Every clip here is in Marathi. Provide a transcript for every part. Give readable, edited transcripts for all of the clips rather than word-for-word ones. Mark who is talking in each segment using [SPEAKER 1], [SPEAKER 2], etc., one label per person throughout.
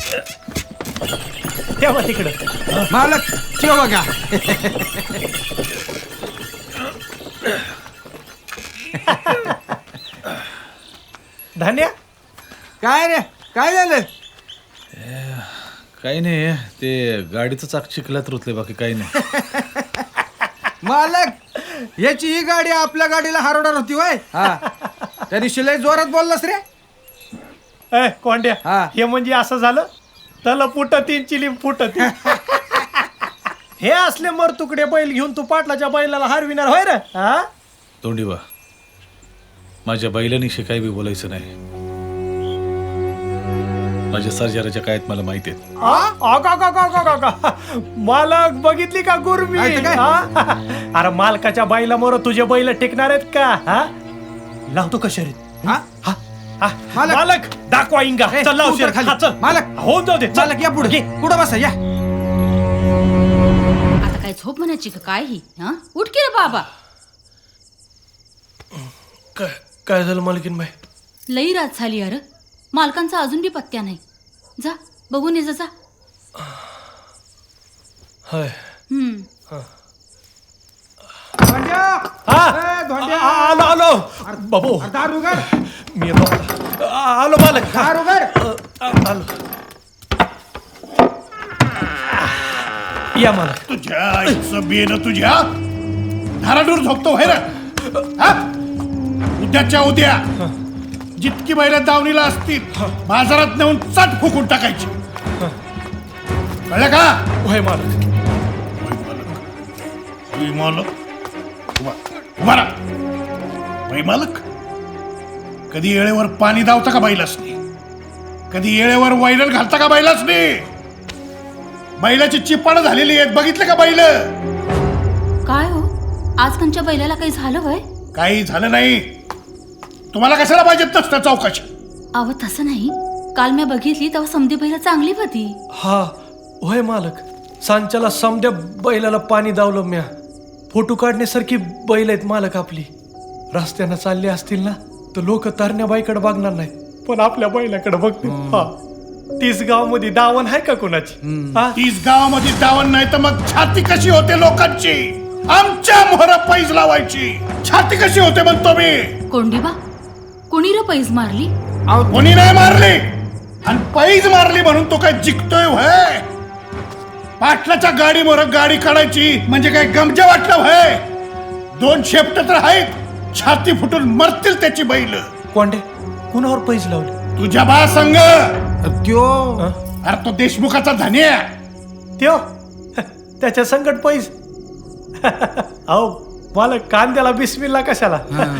[SPEAKER 1] तेव्हा तिकडं
[SPEAKER 2] मालक ठेव बघा.
[SPEAKER 1] धान्या
[SPEAKER 2] काय रे, काय झालं?
[SPEAKER 3] काही नाही, ते गाडीचं चाक चिखलात रुतले, बाकी काही नाही.
[SPEAKER 2] मालक याची ही गाडी आपल्या गाडीला हरवणार होती वय. हा त्या दिवशी लय जोरात बोललास रे.
[SPEAKER 1] कोंड्या
[SPEAKER 2] हा.
[SPEAKER 1] हे म्हणजे असं झालं तल फुटतीन चिलीम फुटती. हे असले मर तुकडे बैल घेऊन तू पाटलाच्या बैलाला हरविणार होय रे. हा
[SPEAKER 3] तोंडीबा, माझ्या बैलानिशी काही बी बोलायचं नाही. माझ्या सर्जाराच्या काळात मला माहिती आहे.
[SPEAKER 1] मालक बघितली का गुरमी?
[SPEAKER 2] नाही तर काय?
[SPEAKER 1] हा? अरे मालकाच्या बैला मोर तुझे बैल टेकणार आहेत का? हा लावतो का शरीर?
[SPEAKER 2] हा? मालक.
[SPEAKER 1] मालक दाखवा इंगा.
[SPEAKER 2] ए,
[SPEAKER 1] चल लाव
[SPEAKER 2] तू उतर
[SPEAKER 1] शरीर.
[SPEAKER 2] खाली.
[SPEAKER 1] हा, चल.
[SPEAKER 2] मालक.
[SPEAKER 1] होऊन जाऊ दे. चल.
[SPEAKER 2] मालक या पुढे, पुढे बसा या.
[SPEAKER 4] आता काय झोप म्हणायची का काय ही? हा उठ की रे बाबा.
[SPEAKER 1] काय झालं मालकीन बाई?
[SPEAKER 4] लई रात झाली यार, मालकांचा अजून बी पत्त्या नाही. जा बघून ये जा.
[SPEAKER 1] होय.
[SPEAKER 2] धोंड्या.
[SPEAKER 1] हा?
[SPEAKER 2] ए, धोंड्या.
[SPEAKER 1] आलो बाबू.
[SPEAKER 2] दार उघड.
[SPEAKER 1] मी येतो. आलो मालक.
[SPEAKER 2] दार उघड.
[SPEAKER 1] आलो. या मालक.
[SPEAKER 5] तुझ्या आईचं बेन तुझ्या धाराडूर झोपतो व्हाय रे. उद्याच्या उद्या जितकी बैल दावणीला असतील बाजारात नेऊन चट फुकून टाकायची. कळलं का?
[SPEAKER 1] होय मालक.
[SPEAKER 5] मालक उभा राहा. वै मालक, कधी येळेवर पाणी दावता का बैलासनी? कधी येळेवर वैरण घालता का बैलासनी? बैलाची चिपाड झालेली आहेत, बघितलं का बैल?
[SPEAKER 4] काय हो आज कंच्या बैलाला काही झालं वय?
[SPEAKER 5] काही झालं नाही. तुम्हाला कशाला पाहिजेत नसतं चौकशी?
[SPEAKER 4] अव तसं नाही, काल मी बघितली तेव्हा समधी बैला चांगली होती.
[SPEAKER 1] हा होय मालक. सांच्याला समद्या बैलाला पाणी दावलं म्या. फोटो काढण्यासारखी बैल आहेत मालक आपली. रस्त्यानं चालले असतील ना तर लोक तरण्या बाईकडे बघणार नाही, पण आपल्या बैलाकडे बघतील. हा 30 गाव मध्ये दावण आहे का कोणाची? हा?
[SPEAKER 5] 30 गावामध्ये दावण नाही तर मग छाती कशी होते लोकांची? आमच्या मोहरा पैज लावायची छाती कशी होते म्हणतो मी.
[SPEAKER 4] कोंडीबा, कुणी र पैज मारली?
[SPEAKER 5] कोणी नाही मारली, आणि पैज मारली म्हणून तो काय जिंकतोय व्हय? पाटलाच्या गाडी मोर गाडी काढायची म्हणजे काय गमजा वाटलं व्हय? 2 शेपट तर आहेत, छाती फुटून मरतील त्याची बैल.
[SPEAKER 1] कोंडे कुणावर पैज लावले?
[SPEAKER 5] तुझ्या बा संग.
[SPEAKER 2] त्यो
[SPEAKER 5] अरे तो देशमुखाचा धन्या.
[SPEAKER 1] त्यो त्याच्या संकट पैज. अहो मालक, कांद्याला बिस्मिल्ला कशाला?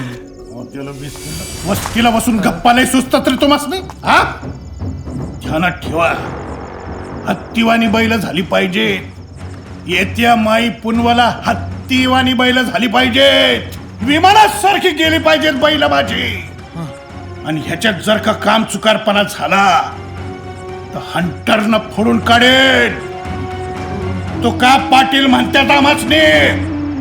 [SPEAKER 5] वस्तीला बसून गप्पा नाही सुचतात रे तुम्हास नाही? हा ध्यानात ठेवा, हत्तीवानी बैल झाली पाहिजे. येत्या माई पुनवाला हत्तीवानी बैल झाली पाहिजेत. विमानासारखी गेली पाहिजेत बैल माझी. आणि ह्याच्यात जर का काम चुकारपणा झाला तर हंटरनं फोडून काढेल. तो का पाटील म्हणतात आम्हाच ने.